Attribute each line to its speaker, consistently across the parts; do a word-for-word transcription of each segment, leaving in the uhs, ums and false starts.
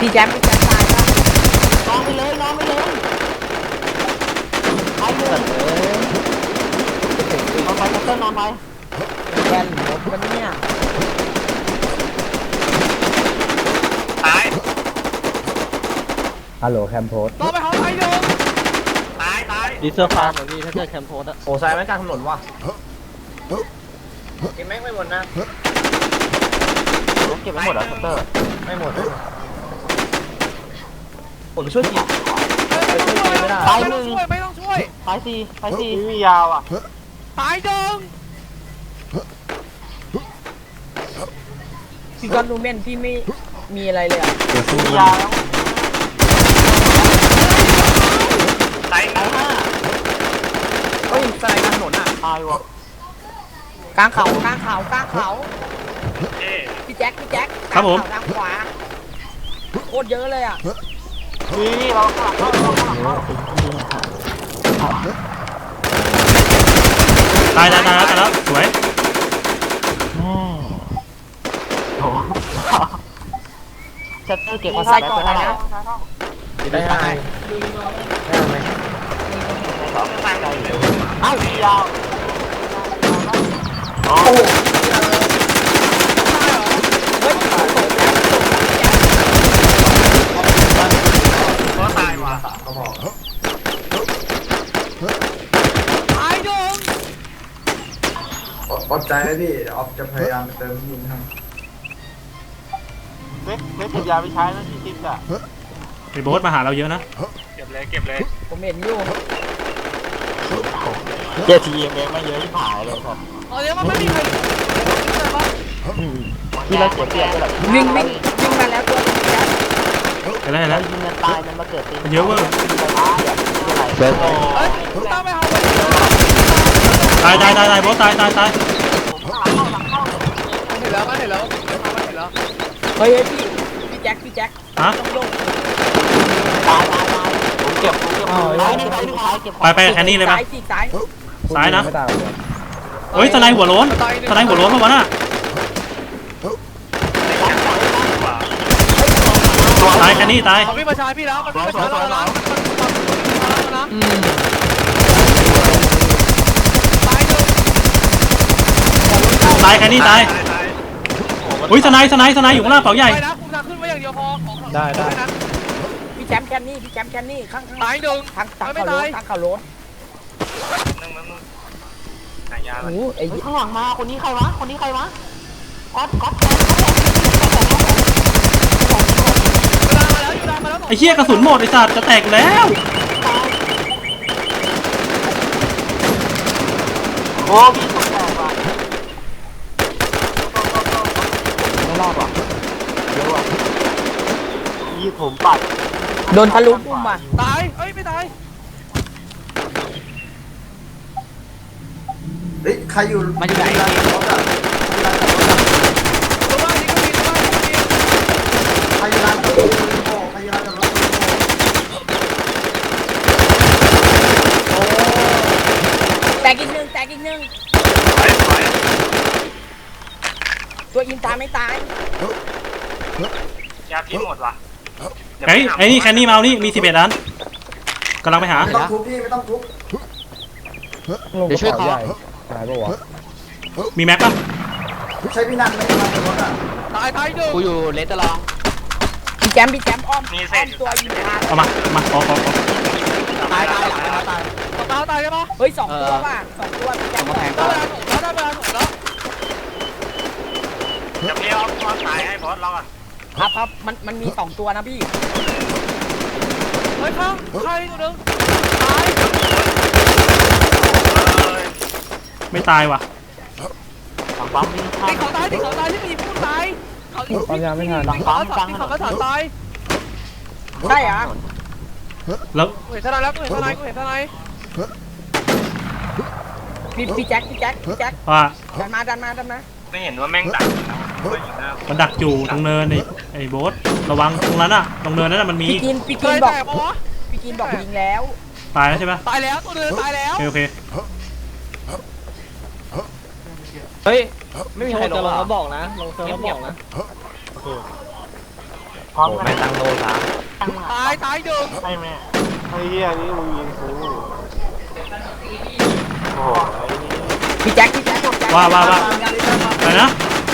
Speaker 1: พี่แจ๊บพี่แจ๊บตายปะ
Speaker 2: นอนไปเลยนอนไปเลยไปเลยนอนไปเต้นนอนไป
Speaker 1: แกนหมดวันเนี่ย
Speaker 3: ตาย
Speaker 4: ฮัลโหลแคมโพส
Speaker 3: ต่อไปเขาไปโยงตายตาย
Speaker 5: ดีเซอร์ฟาร์มเหมือนพี่ถ้าเกิดแคมโพสอะ
Speaker 6: โอ้ใส่ไว้กลางถนนว่ะ
Speaker 3: เก็บแม่งไม่หมดนะ
Speaker 2: เก็บไว้หมดแล้วเตอร์
Speaker 6: ไม่หมดผมช่วยที
Speaker 2: ตายหนึ่ง
Speaker 3: ไม่ต้องช่วย
Speaker 2: ตายสี่ตายสี่
Speaker 6: มียาวอ่ะ
Speaker 3: ตายจัง
Speaker 1: พี่ก้อนดูเม่นพี่ไม่มีอะไรเลยอ่ะ
Speaker 2: มียาวแล้ว
Speaker 3: ตาย
Speaker 2: ตายห้า
Speaker 6: เฮ้ยใส่กลางถนนอ่ะ
Speaker 2: ตายวะ
Speaker 1: กลางเขากลางเขากลางเขา
Speaker 3: เอ๊
Speaker 1: พี่แจ๊คพี่แจ๊ค
Speaker 5: ครับผม
Speaker 1: ทางขวาโคตรเยอะเลยอ่ะ
Speaker 2: นี่เราข้างหลังเข้าข้างหลังเข้า
Speaker 5: ตายตายตายแล้วตายแล้วสวย
Speaker 2: ชัตเตอร์เก็บ
Speaker 1: ขอ
Speaker 2: มา
Speaker 1: ไส้
Speaker 2: ใส่
Speaker 1: ก่
Speaker 2: ก่
Speaker 1: อ
Speaker 2: อน น
Speaker 1: นะ
Speaker 2: นะ
Speaker 6: ได้ไหมได้ไหม
Speaker 2: เอ้ายาว
Speaker 1: เฮ้ย
Speaker 3: ก็ตายว่ะ
Speaker 6: ก็บอก
Speaker 3: ตายจัง
Speaker 6: อดใจนะพี่ออฟจะพยายามเติมยิงครับ
Speaker 2: เม็ดเม็ดเก็บยาไปใช้นะที่ติ๊กอ่ะ
Speaker 5: ไอ้โบ๊ทมาหาเราเยอะนะ
Speaker 3: เก็บเลยเก็บเลย
Speaker 1: ผมเห็นอยู่
Speaker 2: เจ็ดทีเอ็มเองไม่เยอะที่ผายเลยครับ
Speaker 3: ตอนนี้มันไม่มีใคร
Speaker 2: ที่เราเสียเปรียบเลย
Speaker 1: วิ่งวิ่งวิ่งมาแล้วตัวพี่แจ๊ค
Speaker 5: เห็นแล้วเห็น
Speaker 2: เรา
Speaker 5: แล้ว
Speaker 2: ยิงกันตายมันมาเกิดตี
Speaker 5: มันเยอะเว้ย
Speaker 2: เบิร์ด
Speaker 3: เอ้ยตามไปเอา
Speaker 5: ตายตายตายตายโบ๊ทตายตายตาย
Speaker 3: เห็นแล้วมันเห็นแล้วมันเห็นแล้ว
Speaker 1: เฮ้ยเฮ้ยพี่พี่แจ๊คพี่แจ๊ค
Speaker 5: ฮะ
Speaker 1: ต้องโยก
Speaker 2: ตายตายตายผมเก็บผมเก็บตายหนึ่งตายหนึ่งตายเก็บ
Speaker 5: ไปไปแคนนี่เลยปะ
Speaker 1: ซ้ายสี่ซ้าย
Speaker 5: ซ้ายนะ
Speaker 4: ไม่ตายเลย
Speaker 5: เฮ้ยสไนด์หัวโล้นสไนด์หัวโล้นปะวะน่ะตายแคนนี่ตาย
Speaker 3: เขาพี่มาชายพี่แล้วมันพี่มาชายเราแล้วนะ
Speaker 1: อืม
Speaker 3: ตายจัง
Speaker 5: ตายแคนนี่ตายอุ้ยสไนด์สไนด์สไนด์อยู่ข้างล่างเป๋าใหญ่
Speaker 3: ไปนะคุณทางขึ้นไว้อย่างเดียวพอของ
Speaker 5: ได้ได้
Speaker 3: นะ
Speaker 1: พี่แชมป์แคนนี่พี่แชมป์แคนนี่ข้างข้าง
Speaker 3: ตายจัง
Speaker 1: ทางทาง
Speaker 3: ไม่
Speaker 1: เขาโล้
Speaker 3: ตาย
Speaker 1: นทางเขาโล้น
Speaker 3: นึงนึงนึงหายา
Speaker 1: โอ้โหไอ้
Speaker 2: เฮ้ยข้างหลังมาคนนี้ใครวะคนนี้ใครวะก๊อตก๊อต
Speaker 3: เวลามาแล้วอยู่ดามาแล้ว
Speaker 5: ไอ้เหี้ยกระสุนหมดไอ้สัตว์จะแตกแล้ว
Speaker 2: โอ้พี่สงแตกว่ะไม่รอดว่ะเยอะว่ะยี่ผมปัด
Speaker 1: โดนทะลุปุ่มอ่ะ
Speaker 3: ตายเอ้ยไม่ตาย
Speaker 6: เฮ้ยใครอยู่
Speaker 1: มันอยู่ไหน
Speaker 3: ตัวบ้านนี้ก็มีตัวบ้านนี้ก็มี
Speaker 6: ใครอยู่ร้านรถโอ้ใครอยู่ร้านรถ
Speaker 1: แตกอีกหนึ่งแตกอีกหนึ่ง
Speaker 3: ไปไป
Speaker 1: ตัวอินตายไม่ตาย
Speaker 3: ยาพิษหมดว่ะ
Speaker 5: ไอ้ไอ้นี่แคนนี่มาเอานี่มีสิบเอ็ดอันกำลังไปหา
Speaker 6: ไม่ต้องทุบพี่ไม่ต้องทุบ
Speaker 4: ลงกระเป๋าใหญ่ตายปะวะ
Speaker 5: มีแม็กปะ
Speaker 6: ใช้พี่นันไม่ได้มาในรถอ่ะ
Speaker 3: ตายตายจัง
Speaker 2: กูอยู่เลสเตอร์ลอง
Speaker 1: พี่แชมป์พี่แชมป์อ้อมอ้อมตัวอินตาย
Speaker 5: เอามาเอามาขอขอขอ
Speaker 2: ตายตายหลังไปแล้วตาย
Speaker 3: ตายตายใช่ปะ
Speaker 1: เฮ้ยสองตัวว่ะสองตัวพี่แชมป์
Speaker 3: ได้เวลาถูกแล้วได้เวลาถูกแล้วจะพี่เอาตัวตายให้บอสเราอ่ะ
Speaker 1: ครับครับมันมันมีสองตัวนะพี่
Speaker 3: เฮ้ยข้างใครตัวนึงตาย
Speaker 5: ไม่ตายว่ะ
Speaker 2: ฝั่งปั๊มวิ่งข้า
Speaker 3: ติ
Speaker 2: ม
Speaker 3: ดเขาตายติดเขาตายที่มีผู้ตายเขา
Speaker 4: ปั๊มยาไม่ทัน
Speaker 3: ติดเขาติดเขาก็ถานตาย
Speaker 1: ใช่เหรอ
Speaker 5: แล้ว
Speaker 3: กูเห็นทนายแล้วกูเห็นทนายกูเห็นทนาย
Speaker 1: พี่พี่แจ็คพี่แจ็คพี่แจ็ค
Speaker 5: ว่า
Speaker 1: ดันมาดันมาดันมา
Speaker 3: ไม่เห็นว่าแม่งดัก
Speaker 5: มันดักอยู่ตรงเนินไอ้ไอ้โบ๊ทระวังตรงนั้นอะตรงเนินนั้นอะมันมี
Speaker 1: พี่กินพี่
Speaker 3: เค
Speaker 1: กิน
Speaker 3: ย
Speaker 1: บอก
Speaker 3: แตกปะวะ
Speaker 1: พี่กินบอกยิงแล้ว
Speaker 5: ตายแล้วใช่ปะ
Speaker 3: ตายแล้วตัวนึงตายแล้ว
Speaker 5: โอเคโอเค
Speaker 2: เฮ้ยไม่มีใครลง
Speaker 5: จะลง
Speaker 2: แล้
Speaker 5: แล้ว วบอกนะลงเซิร์ฟแล้วบอกนะ
Speaker 2: พร้อมกันไม่ตั้งโลสาม
Speaker 3: ตายตายหนึ่ง
Speaker 2: ไอ้แม่ไอ้เหี้ยนี่มึงยิงกูโอ้ย
Speaker 1: พี่แจ็คพี่แจ็ค
Speaker 5: ว่าว่าว่าอะไรนะ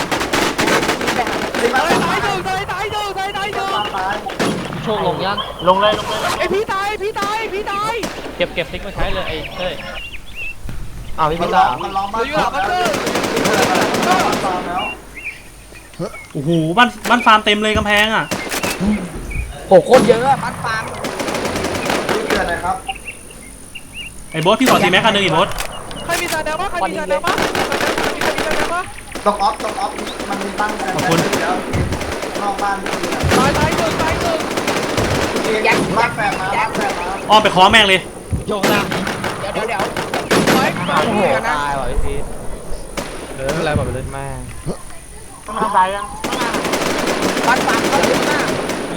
Speaker 3: ตายตายหนึ่งตายตายหนึ่งตายตายหนึ่ง
Speaker 7: โชคลงยัง
Speaker 2: ลงเลยลงเลย
Speaker 3: ไอพี่ตายพี่ตายพี่ตาย
Speaker 7: เก็บเก็บซิกมาใช้เลยไอ้เต้ย
Speaker 2: อ้าวพี่
Speaker 6: มั
Speaker 2: พิ
Speaker 6: น
Speaker 2: ล
Speaker 6: ล้อ
Speaker 2: าม
Speaker 6: มันล้อมบ้าน
Speaker 3: อยู่หลังบัตเตอร์
Speaker 6: ฟาร์มแล้ว
Speaker 5: โอ้โหบ้านบ้านฟาร์มเต็มเลยกำแพงอ่ะ
Speaker 1: โอ้โหโคตรเยอะบ้านฟาร์ม
Speaker 6: รีบเกิดเลยครับ
Speaker 5: ไอ้โบ๊ทพี่ขอซีแม็กอันหนึงอีโบ๊ท
Speaker 3: ใครมีจานแดงบ้างใครมีจานแดงบ้างใครมีจานแดงบ้าง
Speaker 6: ตกออฟตกออฟมันมีตั้งกันแล้วนอกบ้านนี่
Speaker 3: ตายตายหนึ่งตายหนึ่ง
Speaker 6: บ้านแฝดมาบ้านแฝดมา
Speaker 5: อ้อมไปคล้องแม่งเลย
Speaker 7: โยกนะ
Speaker 1: เดี๋ยวเดี๋ยวเดี๋ยว
Speaker 3: ไป
Speaker 1: โอ้โหนะ
Speaker 7: ตายว่ะพี่พีทเอออะไรแบบไปเลยแม่
Speaker 2: ต้องตายยัง
Speaker 1: บ้านฟาร์มเขาเยอะมาก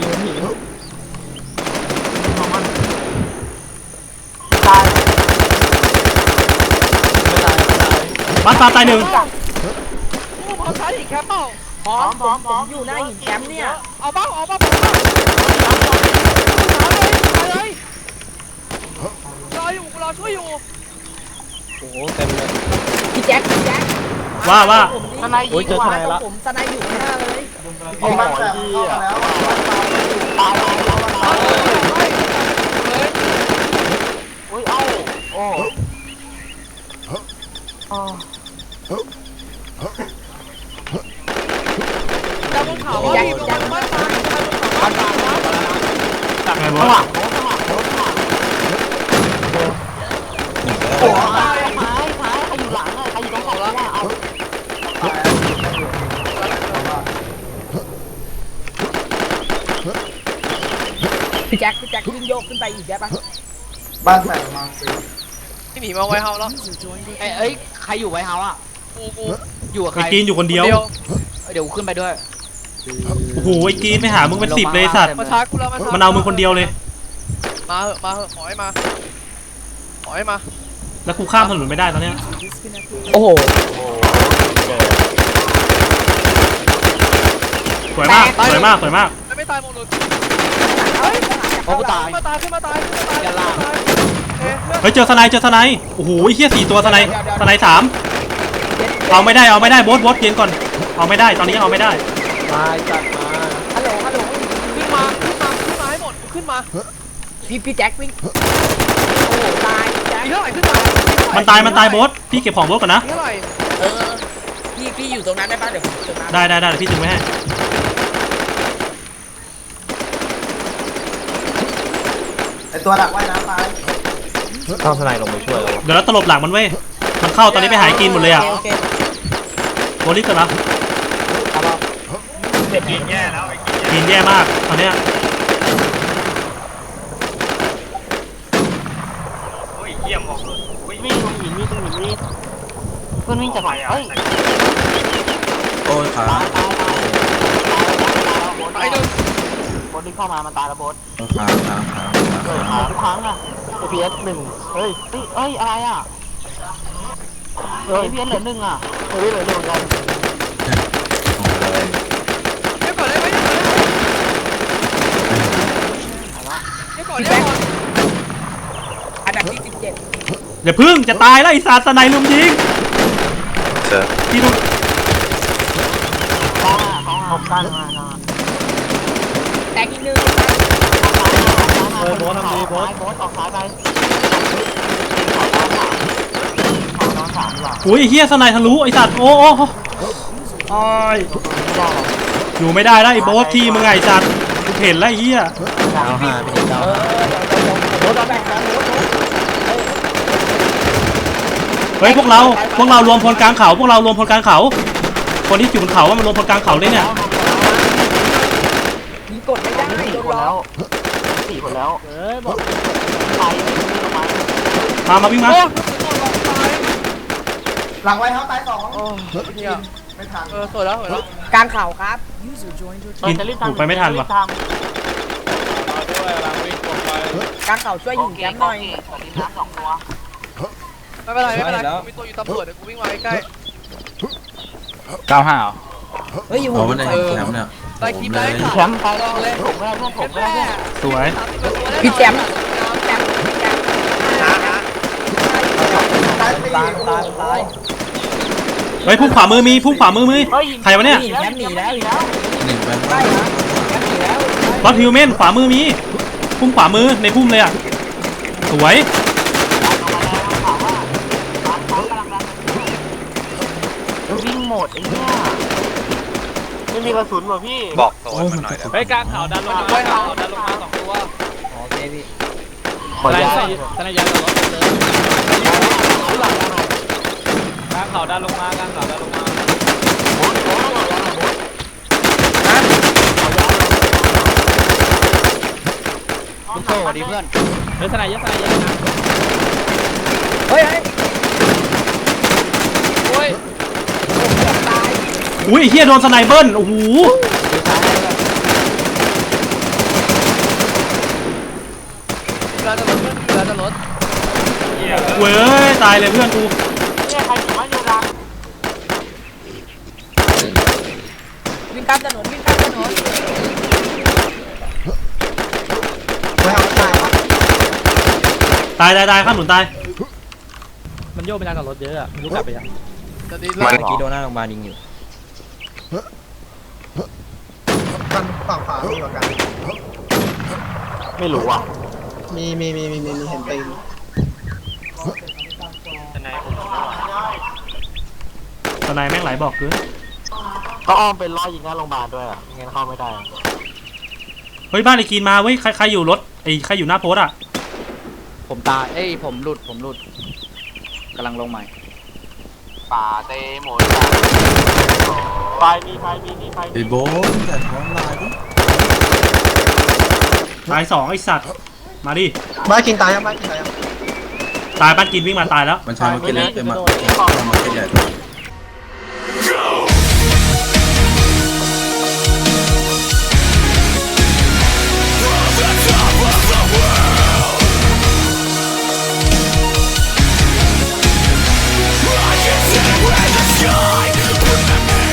Speaker 2: ตาย
Speaker 5: บ้านฟาร์มตายหนึ่ง
Speaker 3: พร้อมใช้อีกแคปเปล่า
Speaker 1: พร้อมผมผมอยู่หน้าหินแคมป์เนี่ย
Speaker 3: เอาบ้างเอาบ้างผมบ้างเอาเลยเอาเลยรออยู่รอช่วยอยู่
Speaker 7: โอ้โหเต็มเลย
Speaker 1: พี่แจ็คพี่แจ็ค
Speaker 5: ว่าว่า
Speaker 1: ผมนี่
Speaker 2: ทนายยิงว่ะ
Speaker 1: ผมสไนอยู่ข้างหน้าเลย
Speaker 6: เอาบ้านแฝดเข้ามาแล้วบ้านฟาร์ม
Speaker 3: เอาเลยเลย
Speaker 2: อุ้ยเอ้าโอ้
Speaker 3: แต่บนเขาว่ามีบนบ้านฟ้าบ้านฟ้านะ
Speaker 5: ไงโบ๊ท
Speaker 6: โอ้
Speaker 3: ตาย
Speaker 1: พี่แจ็คพี่แจ็ควิ่งโยกขึ้นไปอีกได้ปะ
Speaker 6: บ้านแฝดมาสิ
Speaker 3: ที่หนีมาไว้เฮาแล้ว
Speaker 7: ไอ้เอ้ยใครอยู่ไวท์เฮาส์อ่ะ
Speaker 3: กูกู
Speaker 7: อยู่กับใค
Speaker 5: ไอ้
Speaker 7: ร
Speaker 5: กีนอยู่คนเดียว
Speaker 7: เดี๋ยวขึ้นไปด้วย
Speaker 5: โอ้โหไอ้กีนไปหามึงเป็นสิบเลยสัตว์
Speaker 3: มาช้ากูแล้วมาช้า
Speaker 5: มันเอามึงคนเดียวเลย
Speaker 3: มาเหอะมาเหอะขอให้มาขอให้มา
Speaker 5: แล้วกูข้ามถนนไม่ได้ตอนเนี้ย
Speaker 1: โอ้โห
Speaker 5: สวยมากสวยมากสวยมาก
Speaker 3: ไม่ไม่ตายหมดเลย
Speaker 1: เฮ้ย
Speaker 7: โอ้กูตาย
Speaker 3: ขึ้นมาตายขึ้นมาตายขึ้นมาตาย
Speaker 7: อย่าลาก
Speaker 3: เอ๊ะ
Speaker 5: เฮ้ยเจอสไนเจอสไนโอ้โหไอ้เหี้ยสี่ตัวสไนสไนสามเอาไม่ได้เอาไม่ได้โบ๊ทโบ๊ทเย็นก่อนเอาไม่ได้ตอนนี้เอาไม่ได้
Speaker 7: ตายจัดมา
Speaker 1: ฮัลโหลฮัลโหล
Speaker 3: ขึ้นมาขึ้นมาขึ้นมาให้หมดขึ้นมา
Speaker 1: พี่พี่แจ็ควิ่งโอ้โหตายแจ็ค
Speaker 3: อีเท่าไหร่ขึ้นมา
Speaker 5: มันตายมันตายโบ๊ทพี่เก็บของโบ๊ทก่อนนะ
Speaker 3: เท่าไหร่
Speaker 1: เออพี่พี่อยู่ตรงนั้นได้ปะเดี๋ยวผมจะมา
Speaker 5: ได้ได้ได้เดี๋ยวพี่ดึงไว้ให้
Speaker 6: ไอตัวดักว่ายน้ำตาย
Speaker 7: เข้าสไนลงไปช่วยเรา
Speaker 5: เดี๋ยวเราตลบหลังมันเว้ยมันเข้าตอนนี้ไปหายกินหมดเลยอ่ะ
Speaker 1: โอเค
Speaker 5: โบลิสเกิดแล้ว
Speaker 2: กินแย่แล้ว
Speaker 5: กินแย่มากตอนเนี้ย
Speaker 2: โอ้ยเยี่ยมออกเลยวิ่งวิ่งตรงหินวิ่งตรงหินวิ่งเพื่อนวิ่งจากไหนเฮ้ย
Speaker 8: โอ้ยขา
Speaker 2: ตายตายตาย
Speaker 3: ตายหนึ่ง
Speaker 2: บนที่เข้ามามันตายแล้วบด
Speaker 8: ขาขาขา
Speaker 2: เฮ้ย
Speaker 8: ขา
Speaker 2: ทุกครั้งอะไอพีเอสหนึ่งเฮ้ยเฮ้ยเอ้ยอะไรอะเฮ้ยพีเอสเหลือหนึ่งอะเฮ้ยเหลือหนึ่งเหมือนกัน
Speaker 3: เดี๋ยวก่อนได้ไหมเดี๋ยวก่อนได้ไหมเดี๋ยวก่อนเดี๋ยวก่อน
Speaker 1: อันดับที่สิบเจ็ด
Speaker 5: เดี๋ยวพึ่งจะตายแล้วไอ้สัตว์สไนลุมยิง
Speaker 8: เจอ
Speaker 5: พี่ดู
Speaker 2: ข้าข้าขอบกันมา
Speaker 1: แตกอีกหนึ่ง
Speaker 2: เฮ้ยโบสทำดีโบสโบสออกซ้ายไปเอาน้องสามดีกว่า
Speaker 5: โอ้ยไอ้เฮียสไนทะลุไอ้สัตว์โอ้โอ้โอ้ยอยู่ไม่ได้แล้วไอ้โบ๊ทที่มึงไงไอ้สัตว์กูเห็นแล้วไอ้เฮีย
Speaker 7: เอาห้าพี่เก้า
Speaker 1: เออเดี๋ยวเดี๋ยวเดี๋ยวรถเราแบ่งกันรถรถ
Speaker 5: เฮ้ยพวกเราพวกเรารวมพลกลางเขาพวกเรารวมพลกลางเขาคนที่อยู่บนเขาว่ามันรวมพลกลางเขาเลยเนี่ย
Speaker 1: ยิงกดไม่ได้
Speaker 2: สี่
Speaker 1: โดน
Speaker 2: คน
Speaker 1: ล้อ
Speaker 2: แล้วสี่คนแล้วเอ้ยบอกใครไม่รู้ทำไม
Speaker 5: มามาวิ่งมา
Speaker 3: โอ้ตาย
Speaker 6: หลังไว้เท้าตายสอง
Speaker 3: โอ้เฮีย
Speaker 6: ไม่ทัน
Speaker 3: เออสวยแล้วสวยแล้ว
Speaker 1: กลางเข่าครับ
Speaker 5: กินถูกไปไม่ทันว่ะ
Speaker 1: กลางเข่าช่วยหินแคมป์หน่อย
Speaker 2: สองตัว
Speaker 3: ไม่เป็นไรไม่เป็นไรกูมีตัวอยู่ตำรวจเดี๋ยวกูวิ่งมาใกล้
Speaker 7: เก้าห้าเหรอ
Speaker 1: เฮ้ยอยู่
Speaker 8: เอาไม่ได้แคมป์เนี่ย
Speaker 3: ๆได้คลิปเลย
Speaker 2: แชมป์ไปเลยผมไม่ได้เพื่อนผมไม่ได้เพื่อน
Speaker 5: สวย
Speaker 1: พี่แจมแจมแจม
Speaker 6: ตายตายตาย
Speaker 5: เฮ้ยพุ่งขวามือมีพุ่งขวามือมีใครวะเนี่ย
Speaker 1: แจมหนีแล้วหนีแล้ว
Speaker 8: หนึ่งไป
Speaker 1: ได้นะแจมหนีแล้ว
Speaker 5: รถฮิวแมนขวามือมีพุ่งขวามือในพุ่มเลยอ่ะสวย
Speaker 2: วิ่งหมดไอ้เนี่ยไม่มีกระสุนว่ะพี่
Speaker 8: บอกโซนมันหน่อย
Speaker 3: เฮ้ยกลางเขาดันลงมาด้วยเขาดันลงมาสองตัว
Speaker 1: โอเคพี่
Speaker 2: ขอ
Speaker 3: ทนาย
Speaker 2: ยา
Speaker 3: ใส่ทนายยันกับรถเลยกลางเขาดันลงมากลางเขาดันลงมาคุณโซ่สวัสดีเพื่อนเฮ้ยทนายยันทนายยันนะ
Speaker 1: เฮ้ยเฮ้ย
Speaker 3: โอ้ย
Speaker 1: ตาย
Speaker 5: อุ้ยไอ้เฮียโดนสไนเบิลโอ้โห
Speaker 3: เรือจะรถเรือจะรถ
Speaker 5: เว้ยตายเลยเพื่อนกู
Speaker 2: เนี่ยใครอยู่บ้านเดียวกัน
Speaker 1: วิ่งข้ามถนนวิ่งข้ามถนน
Speaker 6: ไม่เอาตายวะ
Speaker 5: ตายตายตายข้ามหนุนตาย
Speaker 3: มันโยกไปทางกับรถเยอะอะไม่รู้กลับไปยัง
Speaker 7: มันกีโดนหน้าโรงพยาบาลยิงอยู่
Speaker 6: กันฝั่งขวามีกว่ากัน
Speaker 2: ไม่รู้อ่ะ
Speaker 6: มีมีมีมีมีเห็นตีน
Speaker 5: สไนแม่งไหลบอกคือ
Speaker 2: ก็อ้อมเป็นร้อยยิงหน้าโรงพยาบาลด้วยอ่ะงั้นเข้าไม่ได้
Speaker 5: เฮ้ยบ้านไอ้กีนมาเว้ยใครใครอยู่รถไอ้ใครอยู่หน้าโพสอ่ะ
Speaker 3: ผมตายเอ้ยผมหลุดผมหลุดกำลังลงใหม่
Speaker 2: ป่าเตหมดไฟมีไฟมีมีไฟ
Speaker 8: ไอ้โบ๊ทแต่ท้องลายดิ
Speaker 5: ตายสองไอ้สัตว์มาดิ
Speaker 6: บ้ากินตายยังบ้ากินตายยัง
Speaker 5: ตายบ้านกินวิ่งมาตายแล้ว
Speaker 8: มันใช้มาเก็ตเล็กเต็มอ่ะเอามาเก็ตใหญ่